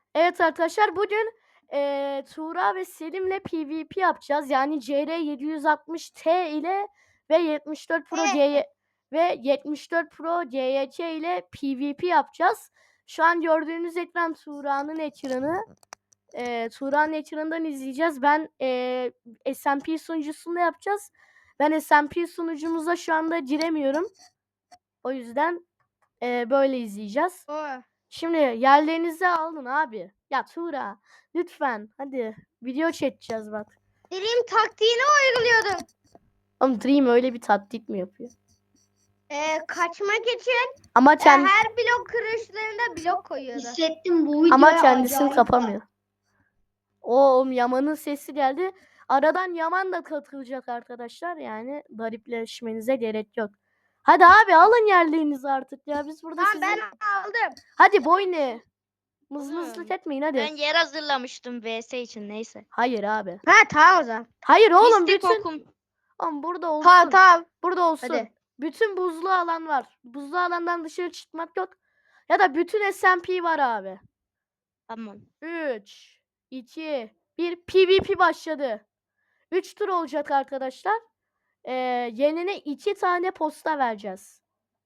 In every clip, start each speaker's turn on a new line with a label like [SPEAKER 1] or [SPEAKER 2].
[SPEAKER 1] Evet arkadaşlar bugün Tuğra ve Selim'le PvP yapacağız. Yani CR760T ile ve 74 Pro GY ve 74 Pro GYC ile PvP yapacağız. Şu an gördüğünüz ekran Tuğra'nın ekranı. Tuğra'nın ekranından izleyeceğiz. Ben SMP sunucusunda yapacağız. Ben SMP sunucumuza şu anda giremiyorum. O yüzden böyle izleyeceğiz. Şimdi yerlerinizi alın abi. Ya Tuğra lütfen hadi video çekeceğiz bak.
[SPEAKER 2] Dream taktiğini uyguluyordum.
[SPEAKER 1] Oğlum Dream öyle bir taktik mi yapıyor?
[SPEAKER 2] Kaçmak için
[SPEAKER 1] Ama
[SPEAKER 2] her blok kırışlarında blok koyuyordu.
[SPEAKER 3] Hissettim bu videoya
[SPEAKER 1] ama kendisini
[SPEAKER 3] acayip
[SPEAKER 1] kapamıyor. Oğlum Yaman'ın sesi geldi. Aradan Yaman da katılacak arkadaşlar. Yani garipleşmenize gerek yok. Hadi abi alın yerlerinizi artık ya. Biz burada
[SPEAKER 2] Tamam
[SPEAKER 1] sizi...
[SPEAKER 2] ben aldım.
[SPEAKER 1] Hadi boyne. Mızmızlık etmeyin hadi.
[SPEAKER 4] Ben yer hazırlamıştım VS için neyse.
[SPEAKER 1] Hayır abi.
[SPEAKER 2] Ha tamam o zaman.
[SPEAKER 1] Hayır oğlum
[SPEAKER 4] Mistik
[SPEAKER 1] bütün...
[SPEAKER 4] okum.
[SPEAKER 1] Oğlum burada olsun.
[SPEAKER 2] Tamam.
[SPEAKER 1] Burada olsun.
[SPEAKER 2] Hadi.
[SPEAKER 1] Bütün buzlu alan var. Buzlu alandan dışarı çıkmak yok. Ya da bütün SMP var abi.
[SPEAKER 4] Tamam.
[SPEAKER 1] 3, 2, 1 PvP başladı. 3 tur olacak arkadaşlar. Yenine 2 tane posta vereceğiz.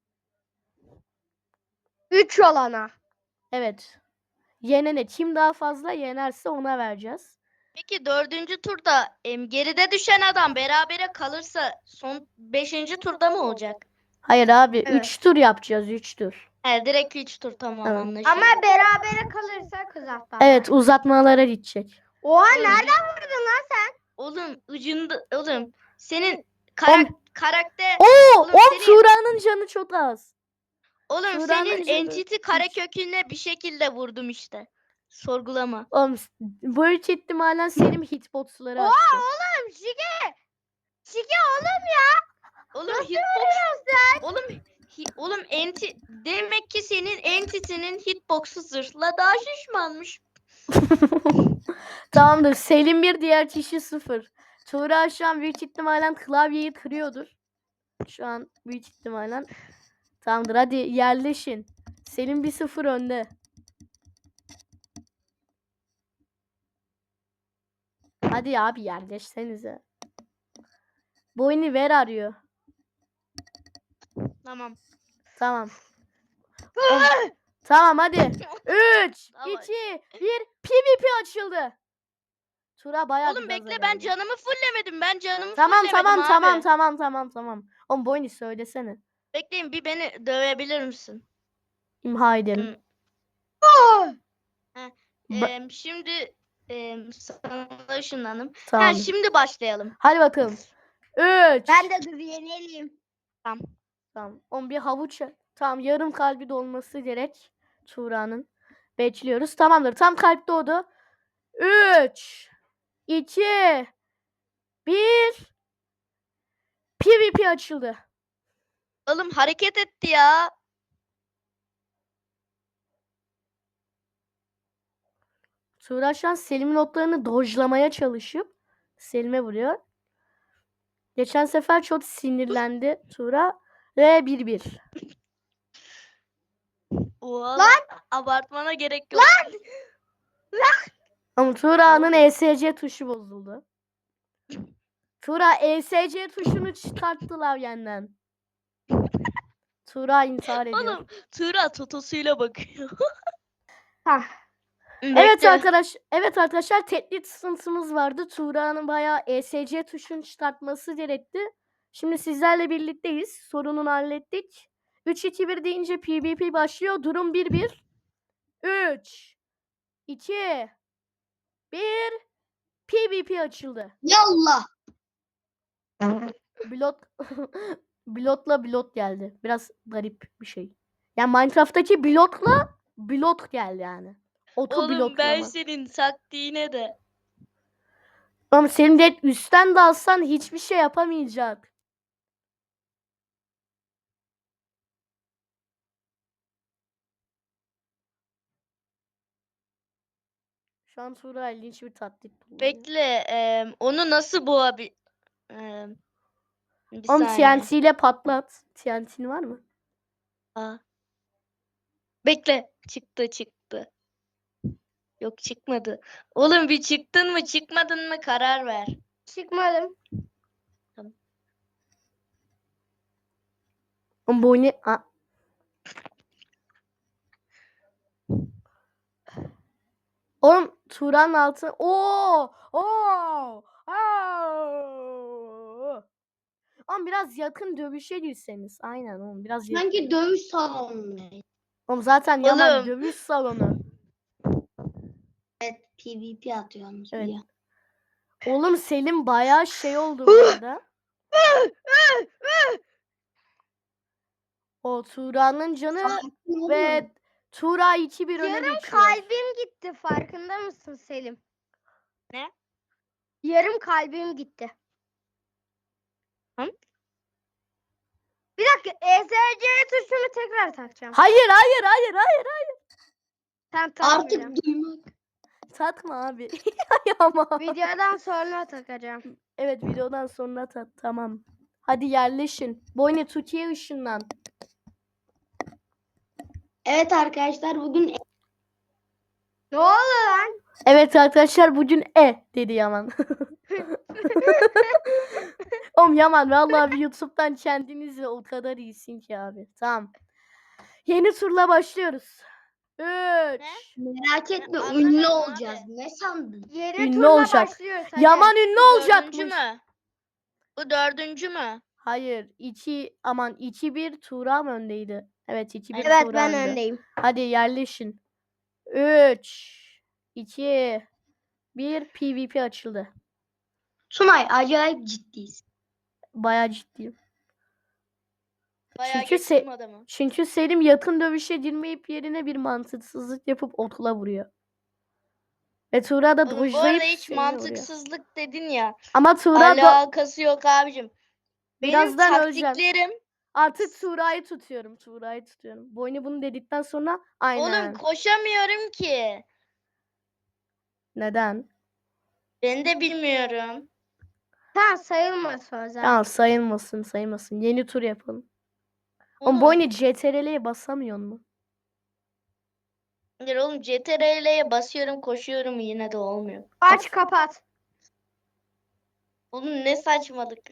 [SPEAKER 2] 3 olana.
[SPEAKER 1] Evet. Yenene kim daha fazla yenerse ona vereceğiz.
[SPEAKER 4] Peki 4. turda geride düşen adam berabere kalırsa son 5. turda mı olacak?
[SPEAKER 1] Hayır abi 3
[SPEAKER 2] Evet.
[SPEAKER 1] tur yapacağız 3 tur.
[SPEAKER 4] Direkt 3 tur tamam
[SPEAKER 1] Evet.
[SPEAKER 4] anlaşıldı.
[SPEAKER 2] Ama berabere kalırsa kız hafta.
[SPEAKER 1] Evet uzatmalara gidecek.
[SPEAKER 2] Oha nereden vurdun lan sen?
[SPEAKER 4] Oğlum ucunda oğlum senin
[SPEAKER 1] Oğlum-
[SPEAKER 4] karakter
[SPEAKER 1] Oo,
[SPEAKER 4] senin-
[SPEAKER 1] Tuğra'nın canı çok az.
[SPEAKER 4] oğlum
[SPEAKER 1] Tuğra'nın
[SPEAKER 4] senin
[SPEAKER 1] canı
[SPEAKER 4] entity kareköküne bir şekilde vurdum işte. Sorgulama.
[SPEAKER 1] Oğlum büyük ihtimalen Selim hitboxları
[SPEAKER 2] Oha
[SPEAKER 1] açtı.
[SPEAKER 2] oğlum Şike. Şike oğlum ya.
[SPEAKER 4] Oğlum
[SPEAKER 2] Nasıl
[SPEAKER 4] hitbox
[SPEAKER 2] vuruyorsun?
[SPEAKER 4] oğlum demek ki senin entity'nin hitbox'u zırhla daha şişmanmış.
[SPEAKER 1] Tamamdır. Selim 1 diğer kişi 0. Tuğra şu an büyük ihtimalen klavyeyi kırıyordur. Şu an büyük ihtimalen. Tamamdır hadi yerleşin. Selim 1-0 önde. Hadi abi yerleşsenize. Boynu ver arıyor.
[SPEAKER 4] Tamam.
[SPEAKER 1] Tamam. Tamam hadi. 3,
[SPEAKER 4] Tamam.
[SPEAKER 1] 2, 1 PvP açıldı. Tuğra bayağı
[SPEAKER 4] Oğlum
[SPEAKER 1] bir
[SPEAKER 4] bekle
[SPEAKER 1] gaza
[SPEAKER 4] ben
[SPEAKER 1] geldi.
[SPEAKER 4] canımı fulllemedim. Ben canımı
[SPEAKER 1] Tamam
[SPEAKER 4] fulllemedim abi.
[SPEAKER 1] tamam. Oğlum Boynu söylesene.
[SPEAKER 4] Bekleyin bir beni dövebilir misin?
[SPEAKER 1] İmha edelim.
[SPEAKER 4] Şimdi sana ışınlandım.
[SPEAKER 1] Tamam.
[SPEAKER 4] Şimdi başlayalım.
[SPEAKER 1] Hadi bakalım. 3.
[SPEAKER 2] Ben de dur yenelim.
[SPEAKER 1] Tamam. Bir havuç. Tamam yarım kalbi dolması gerek. Tuğra'nın. Bekliyoruz. Tamamdır. Tam kalp doğdu. 3, 2, 1. PvP açıldı.
[SPEAKER 4] Oğlum hareket etti ya.
[SPEAKER 1] Tuğra şu an Selim'in oklarını dojlamaya çalışıp Selim'e vuruyor. Geçen sefer çok sinirlendi Tuğra. Ve 1-1.
[SPEAKER 4] Lan abartmana gerek yok.
[SPEAKER 1] Ama Tuğra'nın ESC tuşu bozuldu. Tuğra ESC tuşunu çıkarttılar yenden. Tuğra intihar ediyor.
[SPEAKER 4] Oğlum Tura totosuyla bakıyor.
[SPEAKER 1] Evet arkadaşlar teknik sıkıntımız vardı. Tuğra'nın bayağı ESC tuşunu çıkartması gerekti. Şimdi sizlerle birlikteyiz. Sorununu hallettik. 3-2-1 deyince PvP başlıyor. Durum 1-1. 3, 2, 1. PvP açıldı.
[SPEAKER 3] Yallah.
[SPEAKER 1] Blot geldi. Biraz garip bir şey. Yani Minecraft'taki blot geldi yani.
[SPEAKER 4] Oğlum ben
[SPEAKER 1] Bloklama.
[SPEAKER 4] senin taktiğine de.
[SPEAKER 1] Ama senin de üstten de alsan hiçbir şey yapamayacak. Şu an Tuğra ilginç bir taktik kullanıyor.
[SPEAKER 4] Bekle onu nasıl bir
[SPEAKER 1] Oğlum
[SPEAKER 4] saniye.
[SPEAKER 1] TNT ile patlat. TNT'nin var mı?
[SPEAKER 4] Bekle çıktı. Yok çıkmadı. Oğlum bir çıktın mı çıkmadın mı karar ver.
[SPEAKER 2] Çıkmadım.
[SPEAKER 1] Oğlum bu ne? Aa. Oğlum Tuğra'nın altı. Oo! Oo! Oo! Oğlum biraz yakın dövüşe girseniz. Aynen oğlum biraz yakın.
[SPEAKER 2] Sanki dövüş salonu.
[SPEAKER 1] Oğlum zaten Yaman
[SPEAKER 4] Oğlum.
[SPEAKER 1] dövüş salonu.
[SPEAKER 2] Evet, PvP atıyorsunuz
[SPEAKER 1] Evet.
[SPEAKER 2] ya.
[SPEAKER 1] Oğlum Selim bayağı şey oldu bu arada. O Tuğra'nın canı
[SPEAKER 2] Sakin olun.
[SPEAKER 1] ve Tuğra 2-1 öne
[SPEAKER 2] Yarım
[SPEAKER 1] geçiyor.
[SPEAKER 2] kalbim gitti. Farkında mısın Selim?
[SPEAKER 4] Ne?
[SPEAKER 2] Yarım kalbim gitti.
[SPEAKER 4] Hı?
[SPEAKER 2] Bir dakika. ESC tuşunu tekrar takacağım.
[SPEAKER 1] Hayır hayır hayır hayır.
[SPEAKER 2] Sen takmayacağım.
[SPEAKER 3] Artık duymak.
[SPEAKER 1] Takma abi. Ama.
[SPEAKER 2] Videodan sonra takacağım.
[SPEAKER 1] Evet videodan sonra tamam. Hadi yerleşin. Boyne Türkiye ışından.
[SPEAKER 3] Evet arkadaşlar bugün
[SPEAKER 2] Ne oldu lan?
[SPEAKER 1] Evet arkadaşlar bugün dedi Yaman. Oğlum Yaman vallahi bir YouTube'dan kendinizi o kadar iyisin ki abi. Tamam. Yeni turla başlıyoruz. 3.
[SPEAKER 3] merak etme
[SPEAKER 4] Anlamadım
[SPEAKER 3] ünlü
[SPEAKER 4] abi.
[SPEAKER 3] olacağız. Ne sandın?
[SPEAKER 2] Yeni
[SPEAKER 1] Ünlü
[SPEAKER 2] turla
[SPEAKER 1] olacak.
[SPEAKER 2] başlıyoruz. Hadi.
[SPEAKER 1] Yaman ünlü
[SPEAKER 4] Bu
[SPEAKER 1] olacakmış.
[SPEAKER 4] dördüncü mü? Bu dördüncü mü?
[SPEAKER 1] Hayır. 2-1 Tuğra mı öndeydi? Evet 2-1
[SPEAKER 2] Evet
[SPEAKER 1] Tuğra
[SPEAKER 2] ben
[SPEAKER 1] önde.
[SPEAKER 2] öndeyim.
[SPEAKER 1] Hadi yerleşin. 3 2 1 PvP açıldı.
[SPEAKER 3] Sunay acayip ciddiyiz.
[SPEAKER 1] Bayağı ciddiyim.
[SPEAKER 4] Bayağı
[SPEAKER 1] Çünkü
[SPEAKER 4] geçtim adamı.
[SPEAKER 1] Çünkü Selim yakın dövüşe girmeyip yerine bir mantıksızlık yapıp okula vuruyor. Ve Tuğra da
[SPEAKER 4] Oğlum bu
[SPEAKER 1] dojlayıp
[SPEAKER 4] arada hiç
[SPEAKER 1] Selim'e vuruyor.
[SPEAKER 4] mantıksızlık dedin ya.
[SPEAKER 1] Ama Tuğra da
[SPEAKER 4] Alakası yok abicim. Benim
[SPEAKER 1] birazdan öleceğim.
[SPEAKER 4] taktiklerim.
[SPEAKER 1] Artık Tuğra'yı tutuyorum. Tuğra'yı tutuyorum. Boynu bunu dedikten sonra aynen.
[SPEAKER 4] Oğlum koşamıyorum ki.
[SPEAKER 1] Neden?
[SPEAKER 4] Ben de bilmiyorum.
[SPEAKER 2] Tamam sayılmaz o zaman.
[SPEAKER 1] Tamam sayılmasın. Yeni tur yapalım. Oğlum
[SPEAKER 4] Oğlum,
[SPEAKER 1] Boynu CTRL'ye basamıyor mu?
[SPEAKER 4] hayır oğlum CTRL'ye basıyorum koşuyorum yine de olmuyor.
[SPEAKER 2] Aç kapat.
[SPEAKER 4] Oğlum ne saçmalık.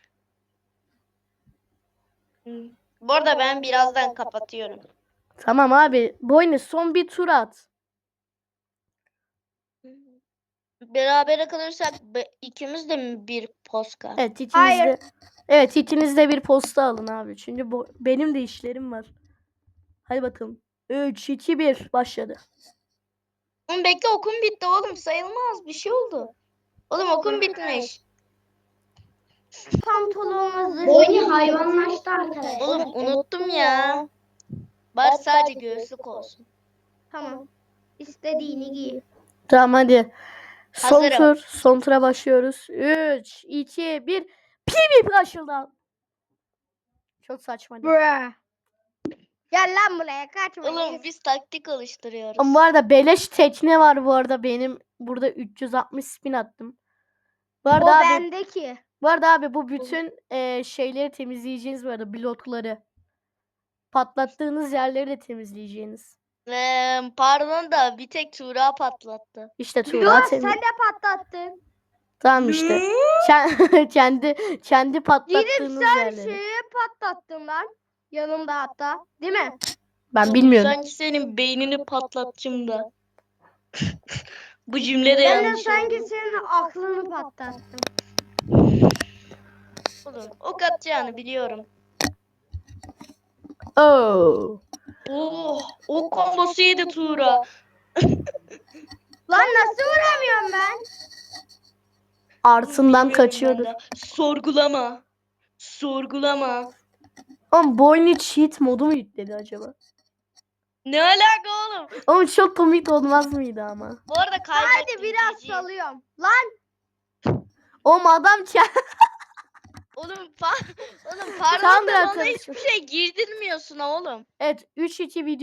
[SPEAKER 4] Bu arada ben birazdan kapatıyorum.
[SPEAKER 1] Tamam abi. Boynu son bir tur at.
[SPEAKER 4] Berabere kalırsak ikimiz de mi bir poska?
[SPEAKER 1] Evet ikiniz
[SPEAKER 2] Hayır.
[SPEAKER 1] de. Evet ikiniz de bir posta alın abi. Çünkü benim de işlerim var. Hadi bakalım. 3 2 1 başladı.
[SPEAKER 4] Oğlum bekle okum bitti oğlum sayılmaz bir şey oldu. Oğlum okum bitmiş.
[SPEAKER 2] Pantolonumuzu.
[SPEAKER 3] Boynu hayvanlaştı arkadaşlar.
[SPEAKER 4] Oğlum unuttum ya. Bari sadece göğüslük olsun.
[SPEAKER 2] Tamam. İstediğini giy.
[SPEAKER 1] Tamam hadi.
[SPEAKER 4] Hazırım.
[SPEAKER 1] Son tura başlıyoruz. 3 2 1 PvP açıldı. Çok saçma değil mi?
[SPEAKER 2] Bra. Gel lan buraya kaçma.
[SPEAKER 4] Oğlum biz taktik alıştırıyoruz.
[SPEAKER 1] Ama bu arada beleş tekne var bu arada benim burada 360 spin attım. Bu
[SPEAKER 2] O
[SPEAKER 1] arada abi,
[SPEAKER 2] bendeki.
[SPEAKER 1] bu bütün şeyleri temizleyeceğiniz bu arada blokları. Patlattığınız yerleri de temizleyeceğiniz.
[SPEAKER 4] Pardon da bir tek Tuğra patlattı.
[SPEAKER 1] İşte
[SPEAKER 2] Yo
[SPEAKER 1] Tuğra
[SPEAKER 2] sen de patlattın.
[SPEAKER 1] Tamam işte. Kendi patlattığınız
[SPEAKER 2] Sen
[SPEAKER 1] yerleri.
[SPEAKER 2] şeyi patlattın lan. Yanımda hatta. Değil mi?
[SPEAKER 1] Ben
[SPEAKER 4] Oğlum,
[SPEAKER 1] bilmiyorum.
[SPEAKER 4] Sanki senin beynini patlatacağım da. Bu cümle de
[SPEAKER 2] Ben de
[SPEAKER 4] yanlış
[SPEAKER 2] sanki
[SPEAKER 4] oldu.
[SPEAKER 2] senin aklını patlattım.
[SPEAKER 4] Oğlum ok atacağını biliyorum.
[SPEAKER 1] Oh.
[SPEAKER 4] Oh, o kombosu yedi Tuğra.
[SPEAKER 2] Lan nasıl vuramıyorum ben?
[SPEAKER 1] Artından
[SPEAKER 4] Bilmiyorum ben
[SPEAKER 1] kaçıyordur.
[SPEAKER 4] de. Sorgulama. Sorgulama.
[SPEAKER 1] Oğlum bu oyunu cheat modu mu yükledi acaba?
[SPEAKER 4] Ne alaka oğlum?
[SPEAKER 1] Oğlum çok komik olmaz mıydı ama?
[SPEAKER 4] Bu arada kaybettim.
[SPEAKER 2] Hadi biraz
[SPEAKER 4] GG.
[SPEAKER 2] salıyorum. Lan
[SPEAKER 1] Oğlum adam
[SPEAKER 4] Oğlum, oğlum pardon
[SPEAKER 1] Tam
[SPEAKER 4] da
[SPEAKER 1] da
[SPEAKER 4] bana
[SPEAKER 1] atıyorsun.
[SPEAKER 4] hiçbir şey girdirmiyorsun oğlum.
[SPEAKER 1] Evet 3-2 video